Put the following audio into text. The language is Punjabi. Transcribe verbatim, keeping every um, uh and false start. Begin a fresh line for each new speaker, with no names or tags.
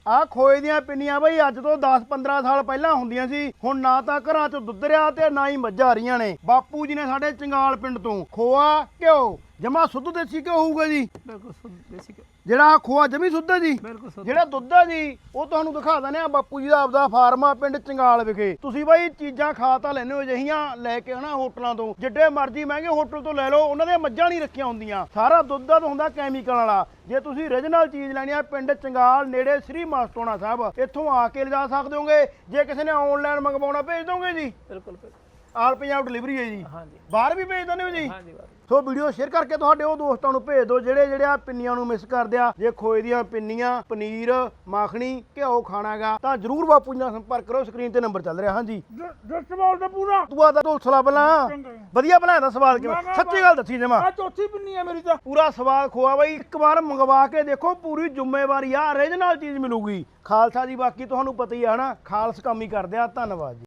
ਆ ਖੋਏ ਦੀਆਂ ਪਿੰਨੀਆਂ ਬਈ ਅੱਜ ਤੋਂ ਦਸ ਪੰਦਰਾਂ ਸਾਲ ਪਹਿਲਾਂ ਹੁੰਦੀਆਂ ਸੀ। ਹੁਣ ਨਾ ਤਾਂ ਘਰਾਂ 'ਚ ਦੁੱਧ ਰਿਹਾ ਤੇ ਨਾ ਹੀ ਮੱਝਾਂ ਆ ਰਹੀਆਂ ਨੇ। ਬਾਪੂ ਜੀ ਨੇ ਸਾਡੇ ਚੰਗਾਲ ਪਿੰਡ ਤੋਂ ਖੋਆ ਘਿਓ ਜਮਾ ਸੁੱਧ ਦੇਸੀ ਘਿਓ ਹੋਊਗਾ ਜੀ।
ਬਿਲਕੁਲ ਸੁੱਧ ਦੇਸੀ ਘਿਓ।
ਜਿਹੜਾ ਖੋਆ ਜਮੀ ਸੁੱਧ ਹੈ ਜੀ।
ਬਿਲਕੁਲ ਸੁੱਧ।
ਜਿਹੜਾ ਦੁੱਧ ਹੈ ਜੀ ਉਹ ਤੁਹਾਨੂੰ ਦਿਖਾ ਦਿੰਦੇ ਆ। ਬਾਪੂ ਜੀ ਦਾ ਆਪਦਾ ਫਾਰਮ ਆ ਪਿੰਡ ਚੰਗਾਲ ਵਿਖੇ। ਤੁਸੀਂ ਬਾਈ ਚੀਜ਼ਾਂ ਖਾ ਤਾਂ ਲੈਣੇ ਹੋ ਜਿਹੀਆਂ ਲੈ ਕੇ ਹਨਾ ਹੋਟਲਾਂ ਤੋਂ, ਜਿੱਡੇ ਮਰਜ਼ੀ ਮਹਿੰਗੇ ਹੋਟਲ ਤੋਂ ਲੈ ਲਓ, ਉਹਨਾਂ ਦੀਆਂ ਮੱਝਾਂ ਨਹੀਂ ਰੱਖੀਆਂ ਹੁੰਦੀਆਂ। ਸਾਰਾ ਦੁੱਧ ਦਾ ਹੁੰਦਾ ਕੈਮੀਕਲ ਵਾਲਾ। ਜੇ ਤੁਸੀਂ ਓਰੀਜਨਲ ਚੀਜ਼ ਲੈਣੀ ਆ ਪਿੰਡ ਚੰਗਾਲ ਨੇੜੇ ਸ੍ਰੀ ਮਸਤੋਣਾ ਸਾਹਿਬ, ਇੱਥੋਂ ਆ ਕੇ ਲਿਜਾ ਸਕਦੇ ਹੋਗੇ। ਜੇ ਕਿਸੇ ਨੇ ਆਨਲਾਈਨ ਮੰਗਵਾਉਣਾ ਭੇਜ ਦੋਗੇ ਜੀ?
ਬਿਲਕੁਲ ਬਿਲਕੁਲ।
ਆਲ ਪੰਜਾਬ ਡਿਲੀਵਰੀ ਹੈ ਜੀ।
ਹਾਂਜੀ
ਬਾਹਰ ਵੀ ਭੇਜ ਦਿੰਦੇ ਹੋ ਜੀ?
ਹਾਂਜੀ ਬਾਹਰ।
ਸੋ ਵੀਡੀਓ ਸ਼ੇਅਰ ਕਰਕੇ ਤੁਹਾਡੇ ਉਹ ਦੋਸਤਾਂ ਨੂੰ ਭੇਜ ਦਿਓ ਜਿਹੜੇ ਜਿਹੜੇ ਆ ਪਿੰਨੀਆਂ ਨੂੰ ਮਿਸ ਕਰਦੇ ਆ। ਜੇ ਖੋਏ ਦੀਆਂ ਪਿੰਨੀਆਂ, ਪਨੀਰ, ਮਾਖਣੀ, ਘਿਓ ਖਾਣਾਗਾ ਤਾਂ ਜਰੂਰ ਬਾਪੂ ਜੀ ਨਾਲ ਸੰਪਰਕ ਕਰੋ। ਸਕਰੀਨ ਤੇ ਨੰਬਰ ਚੱਲ ਰਿਹਾ। ਹਾਂਜੀ
ਜੱਟ ਬੋਲ ਦਾ ਪੂਰਾ
ਤੂੰ ਆਦਾ ਢੋਲਸਲਾ ਪਹਿਲਾਂ ਵਧੀਆ ਬਣਾਇਆ ਦਾ ਸਵਾਲ ਕਿਵੇਂ? ਸੱਚੀ ਗੱਲ ਦੱਸੀ ਜਮਾ।
ਆ ਚੌਥੀ ਪਿੰਨੀ ਆ ਮੇਰੀ ਤਾਂ।
ਪੂਰਾ ਸਵਾਦ ਖੋਆ ਬਾਈ, ਇੱਕ ਵਾਰ ਮੰਗਵਾ ਕੇ ਦੇਖੋ, ਪੂਰੀ ਜ਼ਿੰਮੇਵਾਰੀ ਆ, ਓਰੀਜਨਲ ਚੀਜ਼ ਮਿਲੂਗੀ। ਖਾਲਸਾ ਜੀ ਬਾਕੀ ਤੁਹਾਨੂੰ ਪਤਾ ਹੀ ਆ ਨਾ, ਖਾਲਸ ਕੰਮ ਹੀ ਕਰਦੇ ਆ। ਧੰਨਵਾਦ ਜੀ।